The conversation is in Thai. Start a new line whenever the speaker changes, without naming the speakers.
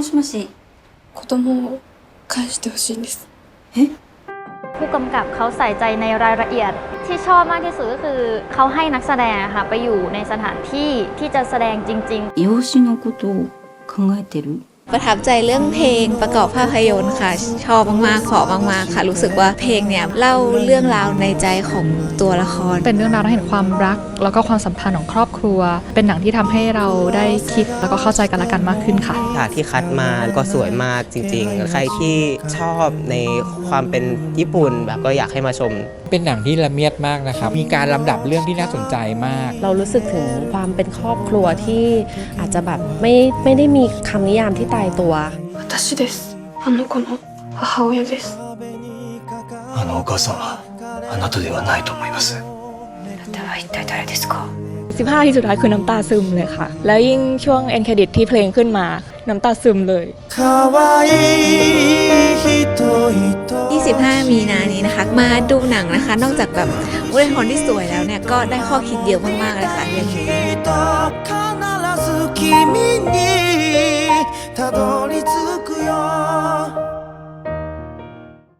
もしもし。
子供を返してほしいんです。
ผู้กำกับเขาใส่ใจในรายละเอียดที่ชอบมากที่สุดก็คือเขาให้นักแสดงค่ะไปอยู่ในสถานที่ที่จะแสดงจริง
養子のことを考えてる。
ประทับใจเรื่องเพลงประกอบภาพยนตร์ค่ะชอบมากๆเพราะมากๆค่ะรู้สึกว่าเพลงเนี่ยเล่าเรื่องราวในใจของตัวละคร
เป็นเรื่องราวที่เห็นความรักแล้วก็ความสัมพันธ์ของครอบครัวเป็นหนังที่ทำให้เราได้คิดแล้วก็เข้าใจกันและกันมากขึ้นค่ะ
ฉากที่คัดมาก็สวยมากจริงๆใครที่ชอบในความเป็นญี่ปุ่นแบบก็อยากให้มาชม
เป็นหนังที่ละเมียดมากนะครับมีการลำดับเรื่องที่น่าสนใจมาก
เรารู้สึกถึงความเป็นครอบครัวที่อาจจะแบบไม่ได้มีคำนิยามที่ตายตัว
私です。あの子の母親です。
あのお母さんはあなたではないと思います。
あなたは一体誰ですか
15 นาทีสุดท้ายคือน้ำตาซึมเลยค่ะแล้วยิ่งช่วงเอ็นเครดิตที่เพลงขึ้นมาน้ำตาซึมเลย
25 มีนานี้นะคะมาดูหนังนะคะนอกจากแบบวรรณกรที่สวยแล้วเนี่ยก็ได้ข้อคิดเยอะมากๆเลยค่ะเรื่องนี้